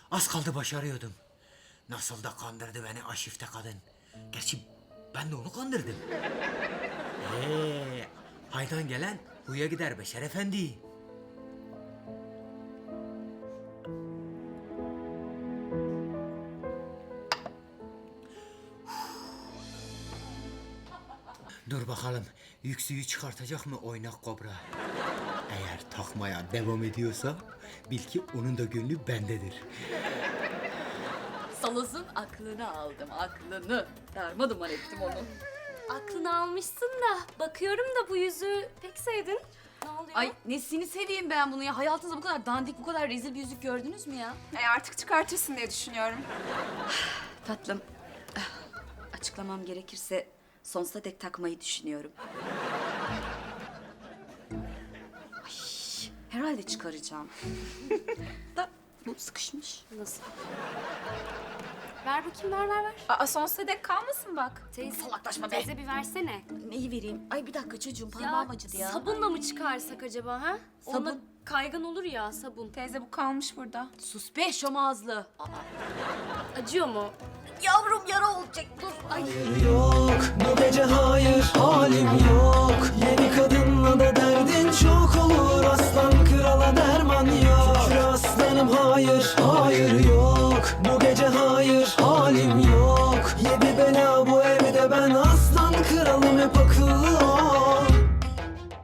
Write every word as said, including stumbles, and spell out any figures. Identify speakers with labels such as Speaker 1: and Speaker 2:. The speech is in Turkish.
Speaker 1: Az kaldı başarıyordum. Nasıl da kandırdı beni aşifte kadın. Gerçi ben de onu kandırdım. Ee, haydan gelen huya gider Beşer Efendi. Dur bakalım, yüksüğü çıkartacak mı oynak kobra? Eğer takmaya devam ediyorsa bil ki onun da gönlü bendedir.
Speaker 2: Saloz'un aklını aldım, aklını. Darma duman ettim onu.
Speaker 3: Aklını almışsın da bakıyorum da bu yüzüğü pek sevdin. Ne oluyor?
Speaker 2: Ay nesini seveyim ben bunu ya? Hayatınızda bu kadar dandik, bu kadar rezil bir yüzük gördünüz mü ya?
Speaker 4: E artık çıkartırsın diye düşünüyorum.
Speaker 2: Tatlım, ah, açıklamam gerekirse sonsuza dek takmayı düşünüyorum. Ay, herhalde çıkaracağım. Da bu sıkışmış.
Speaker 3: Nasıl? Ver bakayım, ver ver ver.
Speaker 4: Aa sonsuza dek kalmasın bak.
Speaker 3: Teyze,
Speaker 2: Salaklaşma be.
Speaker 3: teyze bir versene.
Speaker 2: Neyi vereyim? Ay bir dakika çocuğum, parmağım acıdı ya.
Speaker 3: sabunla mı çıkarsak acaba ha?
Speaker 2: Sabun?
Speaker 3: Onunla kaygan olur ya sabun.
Speaker 4: Teyze bu kalmış burada.
Speaker 2: Sus be şom ağızlı. Aa,
Speaker 3: Acıyor mu?
Speaker 2: yavrum yara olacak dur. Ay.
Speaker 5: Yok bu gece hayır halim yok. Yeni kadınla da derdin çok olur. Aslan krala derman yok. Şükür aslanım hayır